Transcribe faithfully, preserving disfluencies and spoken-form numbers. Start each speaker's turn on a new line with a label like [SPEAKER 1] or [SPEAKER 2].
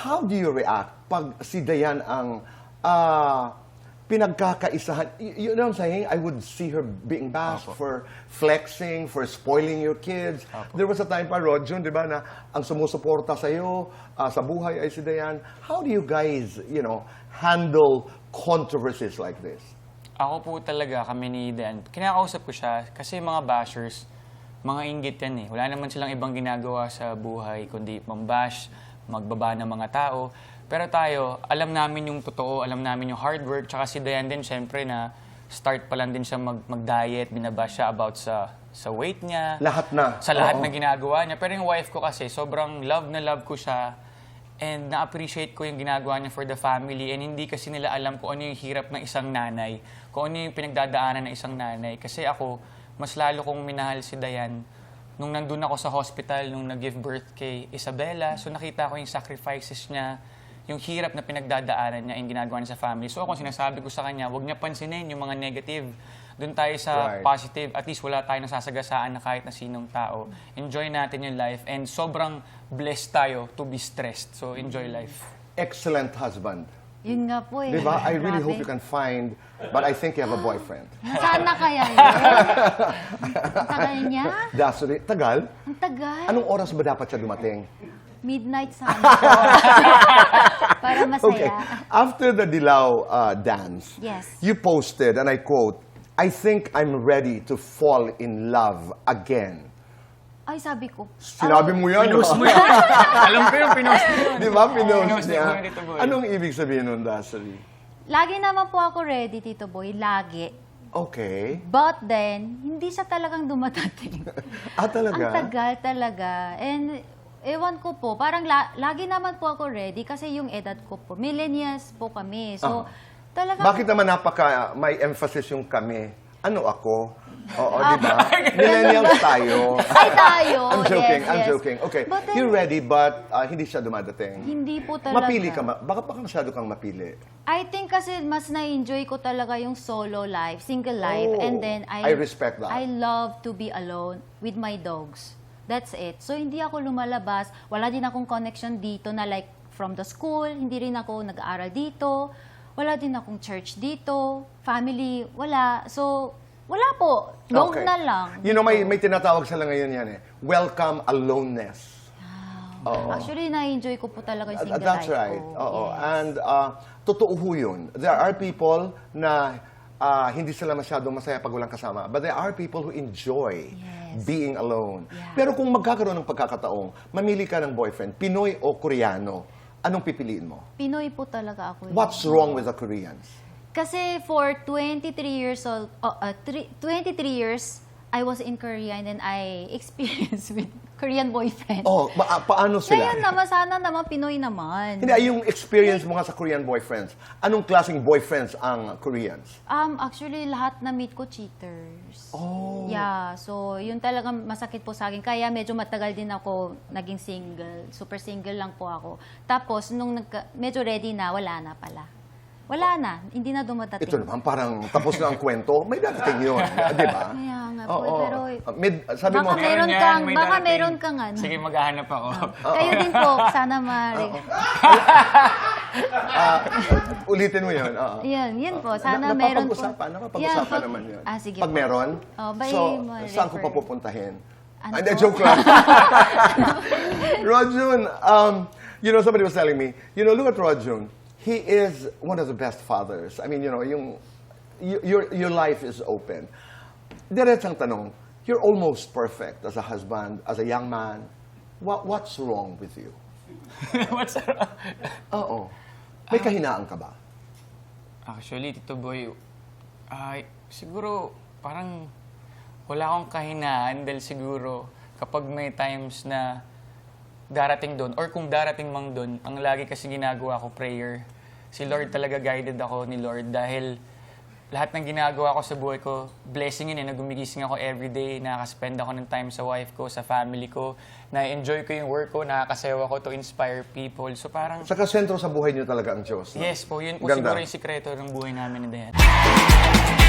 [SPEAKER 1] how do you react pag si Dayan ang uh, pinagkakaisahan? You, you know what I'm saying? I would see her being bashed
[SPEAKER 2] Apo.
[SPEAKER 1] for flexing, for spoiling your kids.
[SPEAKER 2] Apo.
[SPEAKER 1] There was a time pa, Rodjon, di ba, na ang sumusuporta sa'yo, uh, sa buhay ay si Dayan. How do you guys, you know, handle controversies like this?
[SPEAKER 2] Ako po talaga, kami ni Dan, kinakausap ko siya kasi mga bashers, mga inggit yan eh. Wala naman silang ibang ginagawa sa buhay kundi mambash, magbaba ng mga tao. Pero tayo, alam namin yung totoo, alam namin yung hard work. Tsaka si Dayan din, syempre na start pa lang din siya mag- mag-diet, binabash siya about sa sa weight niya.
[SPEAKER 1] Lahat na.
[SPEAKER 2] Sa lahat
[SPEAKER 1] Oo.
[SPEAKER 2] na ginagawa niya. Pero yung wife ko kasi, sobrang love na love ko siya. And na-appreciate ko yung ginagawa niya for the family. And hindi kasi nila alam kung ano yung hirap ng isang nanay. Kung ano yung pinagdadaanan ng isang nanay. Kasi ako, mas lalo kong minahal si Dayan. Nung nandun ako sa hospital, nung nag-give birth kay Isabella, so nakita ko yung sacrifices niya, yung hirap na pinagdadaanan niya, yung ginagawa niya sa family. So ako, sinasabi ko sa kanya, huwag niya pansinin yung mga negative. Doon tayo sa
[SPEAKER 1] Right.
[SPEAKER 2] positive. At least wala tayong nasasagasaan na kahit na sinong tao. Enjoy natin yung life. And sobrang blessed tayo to be stressed. So enjoy life.
[SPEAKER 1] Excellent husband.
[SPEAKER 3] Yun nga po eh.
[SPEAKER 1] Di ba? I really
[SPEAKER 3] Grabe.
[SPEAKER 1] hope you can find, but I think you have a boyfriend.
[SPEAKER 3] Nasaan na kaya yun? Ang tagal niya?
[SPEAKER 1] Dasuri, tagal?
[SPEAKER 3] Ang tagal.
[SPEAKER 1] Anong oras ba dapat siya dumating?
[SPEAKER 3] Midnight sana po. Para masaya.
[SPEAKER 1] Okay. After the Dilaw uh, dance,
[SPEAKER 3] Yes.
[SPEAKER 1] you posted, and I quote, "I think I'm ready to fall in love again."
[SPEAKER 3] Ay, sabi ko.
[SPEAKER 1] Sinabi
[SPEAKER 3] oh,
[SPEAKER 1] mo yan,
[SPEAKER 2] Pinost
[SPEAKER 1] no?
[SPEAKER 2] mo yun. Alam ko yung pinost mo yun.
[SPEAKER 1] Di ba? Pinost
[SPEAKER 2] Pinost
[SPEAKER 1] niya.
[SPEAKER 2] mo yun, Tito Boy.
[SPEAKER 1] Anong ibig sabihin nun, Dasuri?
[SPEAKER 3] Lagi naman po ako ready, Tito Boy. Lagi.
[SPEAKER 1] Okay.
[SPEAKER 3] But then, hindi siya talagang dumadating.
[SPEAKER 1] Ah, talaga?
[SPEAKER 3] Ang tagal talaga. And ewan ko po, parang la- lagi naman po ako ready kasi yung edad ko po, millennials po kami. So,
[SPEAKER 1] Ah.
[SPEAKER 3] talagang...
[SPEAKER 1] Bakit naman napaka may emphasis yung kami? Ano ako? Oo, di ba? Millennials tayo.
[SPEAKER 3] Ay, tayo.
[SPEAKER 1] I'm joking,
[SPEAKER 3] yes,
[SPEAKER 1] I'm
[SPEAKER 3] yes.
[SPEAKER 1] joking. Okay,
[SPEAKER 3] But then,
[SPEAKER 1] you're ready but uh, hindi siya dumadating.
[SPEAKER 3] Hindi po talaga.
[SPEAKER 1] Mapili ka, ma- baka baka masyado kang mapili.
[SPEAKER 3] I think kasi mas na-enjoy ko talaga yung solo life, single life.
[SPEAKER 1] Oh,
[SPEAKER 3] And then, I,
[SPEAKER 1] I respect that.
[SPEAKER 3] I love to be alone with my dogs. That's it. So, hindi ako lumalabas. Wala din akong connection dito na like from the school. Hindi rin ako nag-aaral dito. Wala din akong church dito. Family, wala. So, wala po. Dog na lang.
[SPEAKER 1] You know, may, may tinatawag sila ngayon yan eh. Welcome aloneness. Oo.
[SPEAKER 3] Actually, na-enjoy ko po talaga yung
[SPEAKER 1] Uh,
[SPEAKER 3] single
[SPEAKER 1] That's
[SPEAKER 3] life
[SPEAKER 1] right.
[SPEAKER 3] ko.
[SPEAKER 1] Oo.
[SPEAKER 3] Yes.
[SPEAKER 1] And uh, totoo ho yun. There are people na uh, hindi sila masyadong masaya pag walang kasama. But there are people who enjoy
[SPEAKER 3] Yes.
[SPEAKER 1] being alone.
[SPEAKER 3] Yeah.
[SPEAKER 1] Pero kung magkakaroon ng pagkakataong, mamili ka ng boyfriend, Pinoy o Koreano, anong pipiliin mo?
[SPEAKER 3] Pinoy po talaga ako. eh.
[SPEAKER 1] What's wrong with the Koreans?
[SPEAKER 3] Kasi for twenty-three years old, oh, uh, three, twenty-three years, I was in Korea and then I experienced with Korean boyfriend.
[SPEAKER 1] Oh, ma- paano sila?
[SPEAKER 3] Ngayon naman, sana naman Pinoy naman.
[SPEAKER 1] Hindi, ay, yung experience mo nga sa Korean boyfriends. Anong klaseng boyfriends ang Koreans?
[SPEAKER 3] Um, actually, lahat na meet ko cheaters.
[SPEAKER 1] Oh.
[SPEAKER 3] Yeah, so yun talagang masakit po sa akin. Kaya medyo matagal din ako naging single. Super single lang po ako. Tapos, nung nagka, medyo ready na, wala na pala. Wala na, hindi na dumadating.
[SPEAKER 1] Ito naman, parang tapos na ang kwento, may dadating yun. Di ba?
[SPEAKER 3] Kaya nga po,
[SPEAKER 1] Oo.
[SPEAKER 3] pero...
[SPEAKER 1] Mid, sabi mo,
[SPEAKER 3] Baka meron
[SPEAKER 2] yan,
[SPEAKER 3] kang-
[SPEAKER 2] may
[SPEAKER 3] baka
[SPEAKER 2] darating.
[SPEAKER 3] meron kang ano.
[SPEAKER 2] Sige, maghahanap ako.
[SPEAKER 3] Kayo din po, sana mari.
[SPEAKER 1] ah, ulitin mo yun. Oo.
[SPEAKER 3] Yan, yun po. Sana
[SPEAKER 1] Na-
[SPEAKER 3] meron po.
[SPEAKER 1] Napapag-usapan, napapag-usapan
[SPEAKER 3] Yeah, pag-
[SPEAKER 1] naman yun.
[SPEAKER 3] Ah, sige
[SPEAKER 1] Pag
[SPEAKER 3] po.
[SPEAKER 1] meron,
[SPEAKER 3] Oh, by
[SPEAKER 1] so,
[SPEAKER 3] ma-
[SPEAKER 1] saan ko
[SPEAKER 3] refer.
[SPEAKER 1] pa pupuntahin?
[SPEAKER 3] Ano
[SPEAKER 1] Hindi,
[SPEAKER 3] po?
[SPEAKER 1] joke lang. Rodjun, um, you know, somebody was telling me, you know, look at Rodjun. He is one of the best fathers. I mean, you know, yung, y- your, your life is open. Diretsang tanong, you're almost perfect as a husband, as a young man. What, what's wrong with you?
[SPEAKER 2] What's wrong?
[SPEAKER 1] Oo. May kahinaan ka ba?
[SPEAKER 2] Actually, Tito Boy, ay, siguro parang wala akong kahinaan dahil siguro kapag may times na darating doon, or kung darating mang doon, ang lagi kasi ginagawa ko, prayer. Si Lord talaga, guided ako ni Lord dahil lahat ng ginagawa ko sa buhay ko, blessing yun eh, nagumigising ako everyday, nakaka-spend ako ng time sa wife ko, sa family ko, na-enjoy ko yung work ko, nakakasayaw ako to inspire people. So parang,
[SPEAKER 1] Saka sentro sa buhay niyo talaga ang Diyos. No?
[SPEAKER 2] yes po, yun po
[SPEAKER 1] Ganda.
[SPEAKER 2] siguro yung sikreto ng buhay namin ni Dayan.